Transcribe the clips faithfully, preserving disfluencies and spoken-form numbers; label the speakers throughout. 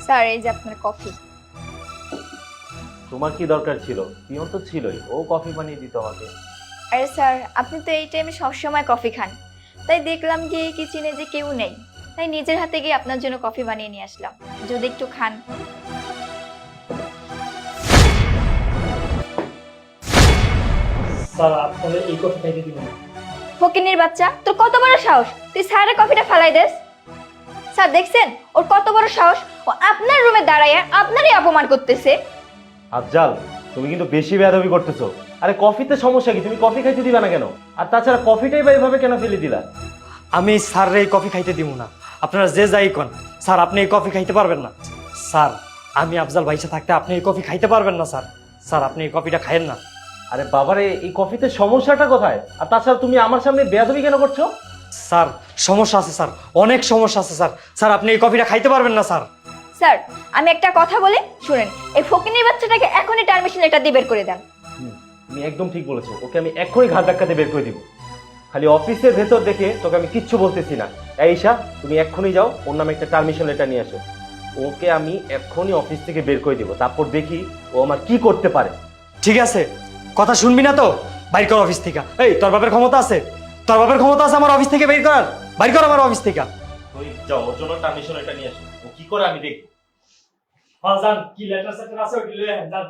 Speaker 1: Sir এই যে আপনার কফি।
Speaker 2: তোমার কি দরকার ছিল? পিয়ন তো ছিলই, ও কফি বানিয়ে দিত আমাকে।
Speaker 1: আরে স্যার আপনি তো এই টাইমে সবসময় কফি খান, তাই দেখলাম কি কিচেনে যে কেউ নেই, তাই নিজের হাতে গিয়ে আপনার জন্য কফি বানিয়ে নিয়ে আসলাম, যদি একটু খান।
Speaker 3: স্যার আপনাদের এই কফি খাইতে দিবেন না।
Speaker 1: ফকিনির বাচ্চা, তোর কত বড় সাহস তুই স্যারের কফিটা ফালাই দেস? স্যার দেখছেন ওর কত বড় সাহস, ও আপনার রুমে দাঁড়ায় আপনারই অপমান করতেছে।
Speaker 2: আফজাল, তুমি কিন্তু বেশি বেয়াদবি করতেছো। আরে কফিতে সমস্যা কি? তুমি কফি খাইতে দিবা না কেন? আর তাছাড়া কফিটাই বা এভাবে কেন ফেলে দিলা?
Speaker 3: আমি স্যার এই কফি খাইতে দিব না। আপনারা যে যাই কোন, স্যার আপনি এই কফি খাইতে পারবেন না। স্যার আমি আফজাল ভাইসা থাকতে আপনি এই কফি খাইতে পারবেন না স্যার। স্যার আপনি এই কফিটা খাইয়েন না।
Speaker 2: আরে বাবারে, এই কফিতে সমস্যাটা কোথায়? আর তাছাড়া তুমি আমার সামনে বেয়াদবি কেন করছো?
Speaker 3: স্যার সমস্যা আছে স্যার, অনেক সমস্যা আছে স্যার। স্যার আপনি এই কফিটা খাইতে পারবেন না স্যার।
Speaker 1: স্যার আমি একটা কথা বলি শুনেন, এই ফকিনির বাচ্চাটাকে এখনই টার্মিশন লেটার দিয়ে বের করে দেন।
Speaker 2: হুম, তুমি একদম ঠিক বলেছো। ওকে আমি এক্ষুনি ঘাট ধাক্কাতে বের করে দিব। খালি অফিসের ভেতর দেখে তোকে আমি কিচ্ছু বলতেছি না। এই ঈশা, তুমি এক্ষুনি যাও, ওর নামে একটা পারমিশন লেটার নিয়ে আসো। ওকে আমি এক্ষুনি অফিস থেকে বের করে দিব, তারপর দেখি ও আমার কি করতে পারে।
Speaker 3: ঠিক আছে, কথা শুনবি না তো? বাইর কর অফিস থেকে। এই তোর বাপের ক্ষমতা আছে? তোর বাপের ক্ষমতা আছে আমার অফিস থেকে বের করার? বাইর কর আমার অফিস থেকে।
Speaker 2: তুই যাও, ওর জন্য পারমিশন লেটার নিয়ে আসো। ও কি করে আমি দেখব।
Speaker 3: হ্যাঁ যান, কি লেটার সেটার আছে ওটি লয়ে যান।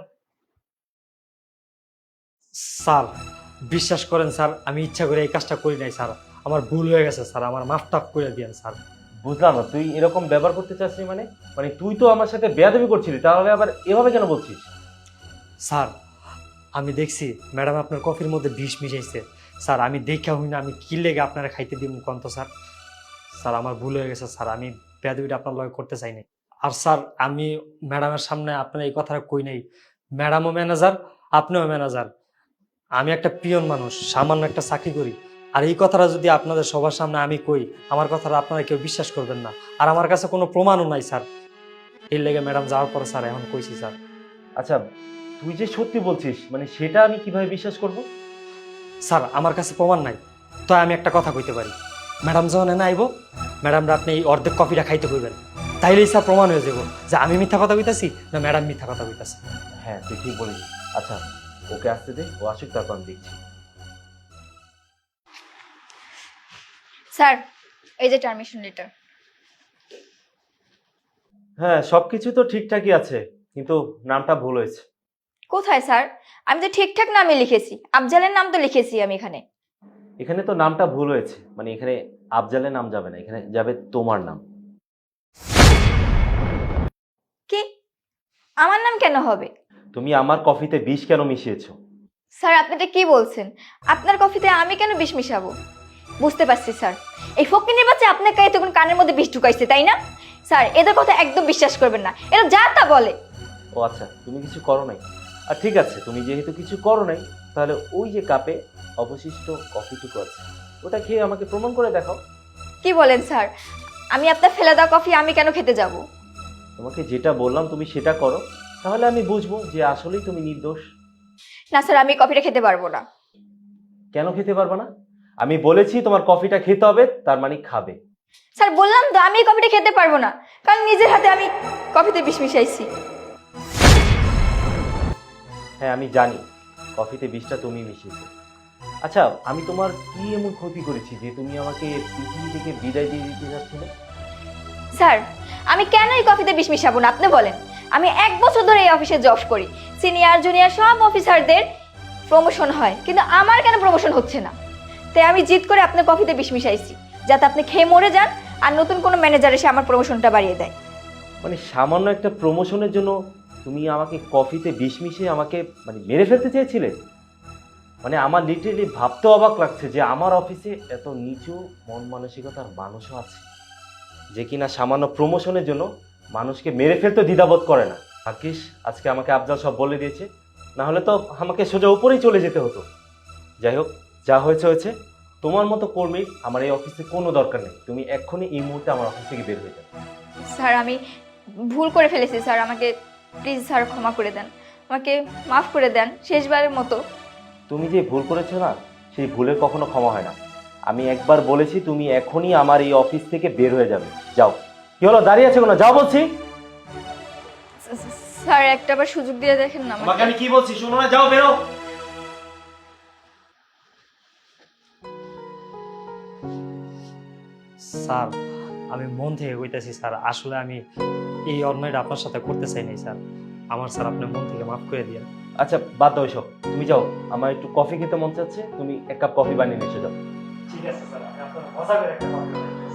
Speaker 3: স্যার বিশ্বাস করেন স্যার, আমি ইচ্ছা করে এই কাজটা করি নাই স্যার। আমার ভুল হয়ে গেছে স্যার, আমার মাফ টাফ করে দিয়েন স্যার।
Speaker 2: বুঝলাম না, তুই এরকম ব্যবহার করতে চাচ্ছিস মানে? মানে তুই তো আমার সাথে বেয়াদবি করছিলি, তাহলে আবার এভাবে কেন বলছিস?
Speaker 3: স্যার আমি দেখছি ম্যাডাম আপনার কফির মধ্যে বিষ মিশাইছে স্যার। আমি দেখা হই না, আমি কি লেগে আপনারা খাইতে দিব কন্ত স্যার? স্যার আমার ভুল হয়ে গেছে স্যার, আমি বেয়াদবিটা আপনার লগে করতে চাই নাই। আর স্যার আমি ম্যাডামের সামনে আপনার এই কথাটা কই নাই। ম্যাডামও ম্যানেজার, আপনিও ম্যানেজার, আমি একটা পিয়ন মানুষ, সামান্য একটা চাকরি করি। আর এই কথাটা যদি আপনাদের সবার সামনে আমি কই, আমার কথাটা আপনারা কেউ বিশ্বাস করবেন না। আর আমার কাছে কোনো প্রমাণও নাই স্যার। এই লেগে ম্যাডাম যাওয়ার পরে স্যার এখন কইছি স্যার।
Speaker 2: আচ্ছা, তুই যে সত্যি বলছিস, মানে সেটা আমি কিভাবে বিশ্বাস করব?
Speaker 3: স্যার আমার কাছে প্রমাণ নাই, তাই আমি একটা কথা কইতে পারি। ম্যাডাম যখন এনে আইব, ম্যাডামরা আপনি এই অর্ধেক কফিটা খাইতে কইবেন, তাইলেই স্যার প্রমাণ হয়ে যাব যে আমি মিথ্যা কথা কইতাছি না ম্যাডাম মিথ্যা কথা কইতাছে।
Speaker 2: হ্যাঁ, তুই ঠিক বলেছিস। আচ্ছা, ওকে আসতে দে, ও আসুক, তারপর আমি দেখছি।
Speaker 1: স্যার এই যে টার্মিশন লেটার।
Speaker 2: হ্যাঁ, সবকিছু তো ঠিকঠাকই আছে, কিন্তু নামটা ভুল হয়েছে।
Speaker 1: কোথায় স্যার? আমি তো ঠিকঠাক নামই লিখেছি, আফজালের নাম তো লিখেছি আমি এখানে।
Speaker 2: এখানে তো নামটা ভুল হয়েছে, মানে এখানে আফজালের নাম যাবে না, এখানে যাবে তোমার নাম।
Speaker 1: কি? আমার নাম কেন হবে?
Speaker 2: তুমি আমার কফিতে বিষ কেন মিশিয়েছো?
Speaker 1: স্যার আপনি এটা কি বলছেন? আপনার কফিতে আমি কেন বিষ মিশাবো? বুঝতে পারছি স্যার, এই ফকিনির বাচ্চা আপনার কাছে তখন কানের মধ্যে বিষ ঢুকাইছে তাই না? স্যার এদের কথা একদম বিশ্বাস করবেন না, এরা যা তা বলে।
Speaker 2: ও আচ্ছা, তুমি কিছু করো নাই। আর ঠিক আছে, তুমি যেহেতু কিছু করো নাই, তাহলে ওই যে কাপে অবশিষ্ট কফিটুকু আছে, ওটা খেয়ে আমাকে প্রমাণ করে দেখাও।
Speaker 1: কি বলেন স্যার? আমি আপনার ফেলে দেওয়া কফি আমি কেন খেতে যাব?
Speaker 2: তোমাকে যেটা বললাম তুমি সেটা করো, তাহলে আমি বুঝবো যে আসলেই তুমি নির্দোষ।
Speaker 1: না স্যার আমি কফিটা খেতে পারবো না।
Speaker 2: কেন খেতে পারবে না? আমি বলেছি তোমার কফিটা খেতে হবে, তার মানে খাবে।
Speaker 1: স্যার বললাম তো আমি এই কফিটা খেতে পারবো না, কারণ নিজের হাতে আমি কফিতে বিষ মিশাইছি।
Speaker 2: হ্যাঁ আমি জানি, কফিতে বিষটা তুমি মিশিয়েছো। আচ্ছা, আমি তোমার কি এমন ক্ষতি করেছি যে তুমি আমাকে পৃথিবী থেকে বিদায় দিয়ে দিতে যাচ্ছিলে?
Speaker 1: স্যার আমি কেন এই কফিতে বিষ মিশাবো না আপনি বলেন? আমি এক বছর ধরে এই অফিসে জব করি, সিনিয়র জুনিয়র সব অফিসারদের প্রমোশন হয়, কিন্তু আমার কেন প্রমোশন হচ্ছে না? তাই আমি জিদ করে আপনার কফিতে বিষ মিশাইছি, যাতে আপনি খেয়ে মরে যান আর নতুন কোনো ম্যানেজার এসে আমার প্রমোশনটা বাড়িয়ে দেয়।
Speaker 2: মানে সামান্য একটা প্রমোশনের জন্য তুমি আমাকে কফিতে বিষ মিশিয়ে আমাকে মানে মেরে ফেলতে চেয়েছিলে? মানে আমার লিটারেলি ভাবতে অবাক লাগছে যে আমার অফিসে এত নিচু মন মানসিকতার মানুষও আছে, যে কিনা সামান্য প্রমোশনের জন্য মানুষকে মেরে ফেলতে দ্বিধাবোধ করে না। ভাগ্যিস আজকে আমাকে আফজাল সব বলে দিয়েছে, না হলে তো আমাকে সোজা উপরেই চলে যেতে হতো। যাই হোক, যা হয়েছে হয়েছে। তোমার মতো কর্মীর আমার এই অফিসে কোনো দরকার নেই। তুমি এক্ষুনি এই মুহূর্তে আমার অফিস থেকে বের হয়ে যাবে।
Speaker 1: স্যার আমি ভুল করে ফেলেছি স্যার, আমাকে প্লিজ স্যার ক্ষমা করে দেন, আমাকে মাফ করে দেন শেষবারের মতো।
Speaker 2: তুমি যে ভুল করেছো না, সেই ভুলের কখনো ক্ষমা হয় না। আমি একবার বলেছি তুমি এখনই আমার এই অফিস থেকে বের হয়ে যাবে। যাও। কি হলো, দাঁড়িয়ে আছে কোনো? যাও বলছি।
Speaker 1: স্যার একটা বার সুযোগ দিয়ে দেখেন না
Speaker 2: তোমাকে আমি কি বলছি শোনো না, যাও বেরো।
Speaker 3: স্যার আমি মন থেকে কইতাছি স্যার, আসলে আমি এই অন্যায়টা আপনার সাথে করতে চাই নাই স্যার। আমার স্যার আপনি মন থেকে মাফ করে দিন।
Speaker 2: আচ্ছা বাদ দাও এসব, তুমি যাও, আমার একটু কফি খেতে মন চাচ্ছে, তুমি এক কাপ কফি বানিয়ে নিয়ে এসে যাও।
Speaker 3: ঠিক আছে স্যার, আমি আপনার মজা করে একটা কথা